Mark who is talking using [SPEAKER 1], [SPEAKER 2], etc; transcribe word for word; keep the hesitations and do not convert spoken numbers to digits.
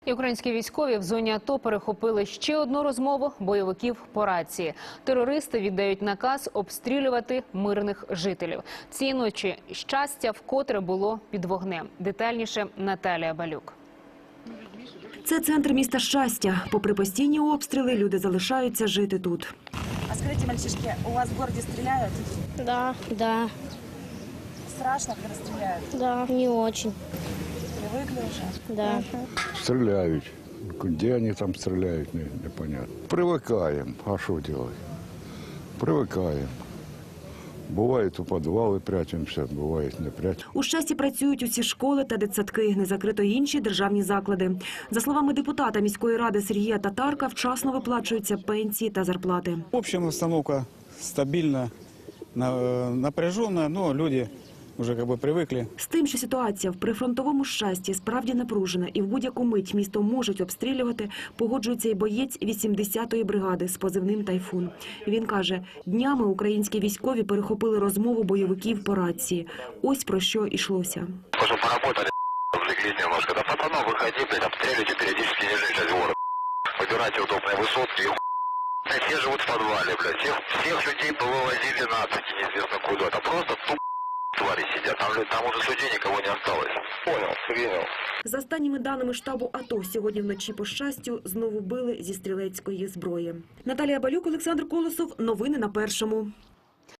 [SPEAKER 1] І українські військові в зоні АТО перехопили ще одну розмову бойовиків по рації. Терористи віддають наказ обстрілювати мирних жителів. Цієї ночі щастя вкотре було під вогнем. Детальніше Наталія Балюк.
[SPEAKER 2] Це центр міста Щастя. Попри постійні обстріли, люди залишаються жити тут.
[SPEAKER 3] А скажите, мальчишки, у вас в городе стреляют?
[SPEAKER 4] Да, да,
[SPEAKER 3] Страшно, когда стреляют?
[SPEAKER 4] да, не очень,
[SPEAKER 3] Привыкли уже?
[SPEAKER 4] да.
[SPEAKER 5] Стреляют. Где они там стреляют, не- непонятно. Привыкаем. А что делать? Привыкаем. Бывает, у подвалы прячемся, бывает, не прячемся.
[SPEAKER 2] У Щасті працюють усі школи та дитсадки, не закрито й інші державні заклади. За словами депутата міської ради Сергія Татарка, вчасно виплачуються пенсії та зарплати.
[SPEAKER 6] В общем, обстановка стабильна, на- напряженная, но люди уже как бы привыкли.
[SPEAKER 2] З тим, що ситуація в прифронтовому Щасті справді напружена і в будь-яку мить місто можуть обстрілювати, погоджується і боєць вісімдесятої бригади з позивним «Тайфун». Він каже, днями українські військові перехопили розмову бойовиків по рації. Ось про що йшлося.
[SPEAKER 7] Уже поработали, влеглись немножко. Да пацанов, выходи, блядь, обстреливайте периодически нижнюю часть города. Выбирайте удобные высотки. И все живут в подвале, блядь. Всех, всех людей повывозили нацики, неизвестно куда. Это просто туп твари сидят. Там, там уже людей никого не осталось. Понял, принял.
[SPEAKER 2] За останніми даними штабу АТО, сьогодні вночі по Щастю знову били зі стрілецької зброї. Наталія Балюк, Олександр Колосов. Новини на Першому.